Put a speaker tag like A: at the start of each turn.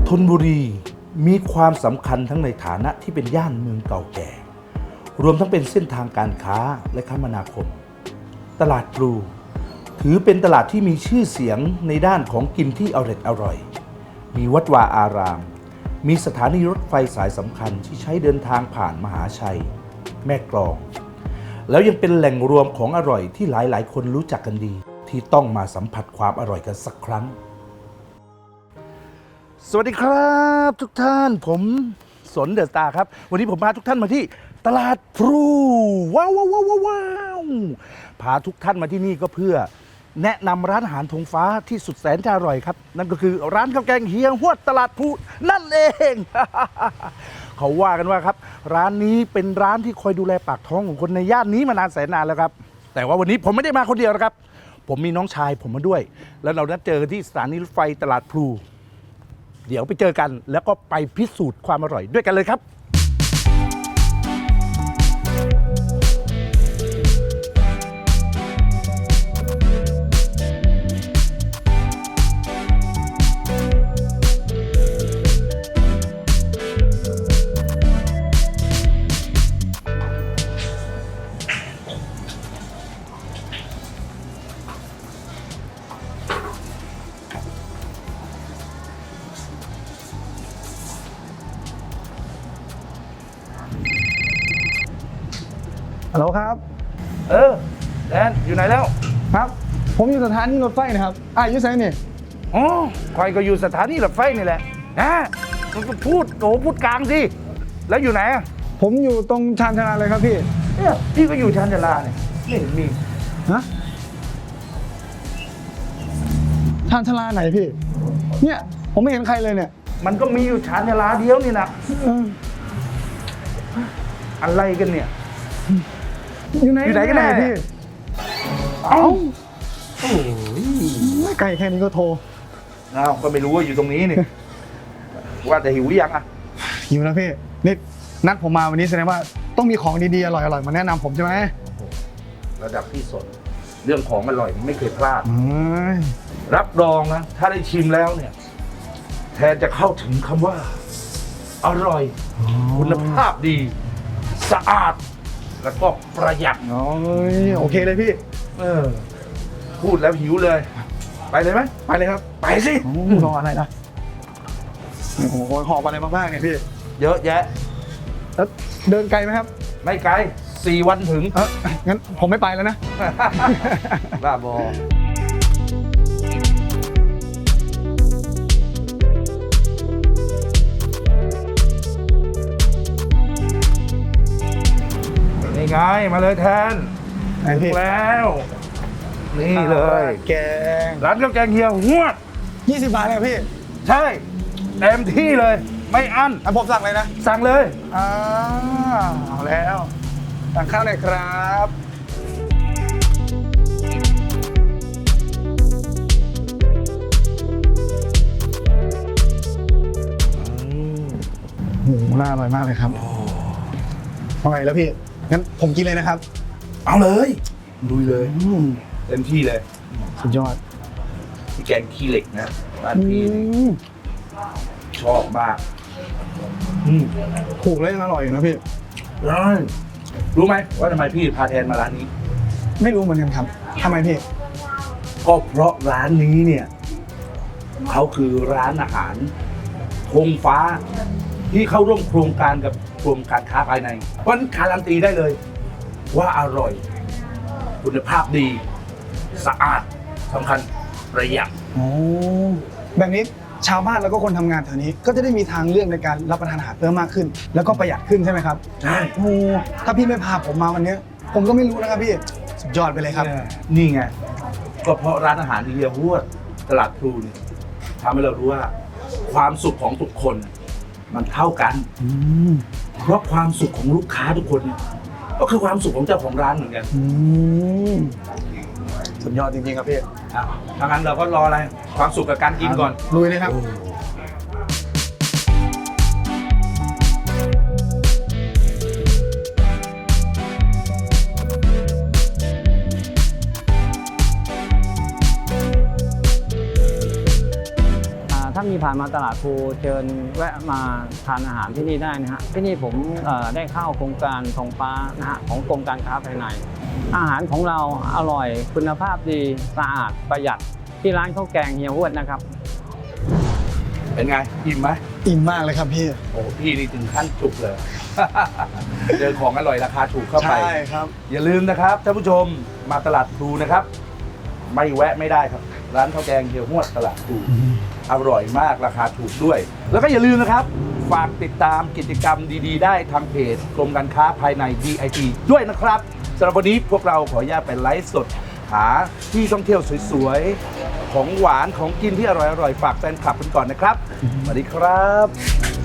A: ธนบุรีมีความสำคัญทั้งในฐานะที่เป็นย่านเมืองเก่าแก่รวมทั้งเป็นเส้นทางการค้าและคมนาคมตลาดพลูถือเป็นตลาดที่มีชื่อเสียงในด้านของกินที่อร่อยมีวัดวาอารามมีสถานีรถไฟสายสำคัญที่ใช้เดินทางผ่านมหาชัยแม่กลองแล้วยังเป็นแหล่งรวมของอร่อยที่หลายๆคนรู้จักกันดีที่ต้องมาสัมผัสความอร่อยกันสักครั้งสวัสดีครับทุกท่านผมสนเดอะสตาร์ครับวันนี้ผมพาทุกท่านมาที่ตลาดพลูว้าวพาทุกท่านมาที่นี่ก็เพื่อแนะนำร้านอาหารธงฟ้าที่สุดแสนจะอร่อยครับนั่นก็คือร้านข้าวแกงเฮียฮวดตลาดพลูนั่นเอง เขาว่ากันว่าครับร้านนี้เป็นร้านที่คอยดูแลปากท้องของคนในย่านนี้มานานแสนนานแล้วครับแต่ว่าวันนี้ผมไม่ได้มาคนเดียวนะครับผมมีน้องชายผมมาด้วยแล้วเรานัดเจอที่สถานีรถไฟตลาดพลูเดี๋ยวไปเจอกันแล้วก็ไปพิสูจน์ความอร่อยด้วยกันเลยครับ
B: ฮัลโหลครับ
A: แดนอยู่ไหนแล้ว
B: ครับ ผมอยู่สถานีรถไฟนะครับอยู่ไสนี่
A: อ๋อคอยก็อยู่สถานีรถไฟนี่แหละนะมันก็พูดพูดกลางสิแล้วอยู่ไหนอ่ะ
B: ผมอยู่ตรงชานชาลาเลยครับพี่
A: เนี่ยพี่ก็อยู่ชานชาลาเนี่ยไม่เห็นมี
B: ฮะชานชาลาไหนพี่ เนี่ยผมไม่เห็นใครเลยเนี่ย
A: มันก็มีอยู่ชานชาลาเดียวนี่นะ
B: เออ
A: อะไรกันเนี่ย
B: อยู่ไหน
A: อยู่ไหนกันแน่
B: พี่
A: เอ้าโอ้ย
B: ไกลแค่นี้ก็โทร
A: อ้าวก็ไม่รู้ว่าอยู่ตรงนี้นี่ ว่าแต่หิวหรือยังอ่ะ
B: หิวแล้วพี่นี่นัดผมมาวันนี้แสดงว่าต้องมีของดีๆอร่อยๆมาแนะนำผมใช่ไหม
A: ระดับที่สนเรื่องของอร่อยไม่เคยพลาด
B: เอ้ย
A: รับรองนะถ้าได้ชิมแล้วเนี่ยแทนจะเข้าถึงคำว่า อร่อย คุณภาพดี สะอาด แล้วก็ประหยัด
B: โอเคเลยพี่
A: พูดแล้วหิวเลย ไปเลยไหม
B: ไปเลยครับ
A: ไปสิ
B: รออะไรนะโอ้โหหอบอะไรมาบ้างเนี่ยพี่
A: เยอะแยะ
B: แล้วเดินไกลไหมครับ
A: ไม่ไกล4 วันถึง
B: งั้นผมไม่ไปแล้วนะ
A: บ้าบอ นี่ไง มาเลยแทน
B: ไหนพี่
A: ถึงแล้ว นี่เลย
B: แกง
A: ร้านข้าวแกงเฮียหวด
B: 20 บาทเลยพี่
A: ใช่เต็มที่เลย ไม่อั้น
B: ผมสั่งเลยนะ
A: สั่งเลย
B: เอาแล้วสั่งข้าวหน่อยครับโอ้โหน่าอร่อยมากเลยครับอร่อยแล้วพี่ งั้นผมกินเลยนะครับ
A: เอาเลยลุยเลยเต็มที่เลย
B: สุดยอด
A: พี่แกงขี้เหล็กนะบ้านพี่ชอบมาก
B: ถูกแล้วยังอร่อยอยู่นะพี่
A: รู้ไหมว่าทำไมพี่พาแทนมาร้านนี้
B: ไม่รู้เหมือนกันครับทำไมพี่
A: ก็เพราะร้านนี้เนี่ยเขาคือร้านอาหารธงฟ้า ที่เข้าร่วมโครงการกับกรมการค้าภายในเพราะฉะนั้นการันตีได้เลย ว่าอร่อย คุณภาพดี สะอาดสำคัญประหยัด
B: โอ้แบบนี้ชาวบ้านแล้วก็คนทำงานแถวนี้ ก็จะได้มีทางเลือกในการรับประทานอาหารเพิ่มมากขึ้น แล้วก็ประหยัดขึ้นใช่ไหมครับ
A: ใช่
B: โอ้ถ้าพี่ไม่พาผมมาวันนี้ ผมก็ไม่รู้นะครับพี่สุดยอดไปเลยครับ
A: นี่ไงก็เพราะร้านอาหารเฮียฮวดตลาดพลูเนี่ยทำให้เรารู้ว่า ความสุขของทุกคนมันเท่ากันเพราะความสุขของลูกค้าทุกคนเนี่ยก็คือความสุขของเจ้าของร้านเหมือนกัน
B: สุดยอดจริงๆครับพี่
A: ถ้างั้นเราก็รออะไรความสุขกับการกินก่อน
B: ลุยเลยครับ
C: ถ้ามีผ่านมาตลาดภูเชิญแวะมาทานอาหารที่นี่ได้นะฮะที่นี่ผมได้เข้าโครงการทองฟ้านะฮะของกรมการค้าภายในอาหารของเราอร่อยคุณภาพดีสะอาดประหยัดที่ร้านข้าวแกงเฮียฮวดนะครับ
A: เป็นไงอิ่มไหม
B: อิ่มมากเลยครับพี่
A: โอ้พี่นี่ถึงขั้นจุกเลย เจอของอร่อยราคาถูกเข้าไป
B: ใช่ครับ
A: อย่าลืมนะครับท่านผู้ชมมาตลาดพลูนะครับ ไม่แวะไม่ได้ครับ ร้านข้าวแกงเฮียฮวดตลาดพลูอร่อยมากราคาถูกด้วย แล้วก็อย่าลืมนะครับ ฝากติดตามกิจกรรมดีๆ ได้ทางเพจกรมการค้าภายใน DIT ด้วยนะครับสำหรับวันนี้พวกเราขออนุญาตไปไลฟ์สด หาที่ท่องเที่ยวสวยๆ ของหวานของกินที่อร่อยๆ ฝากแฟนคลับกันก่อนนะครับ สวัสดีครับ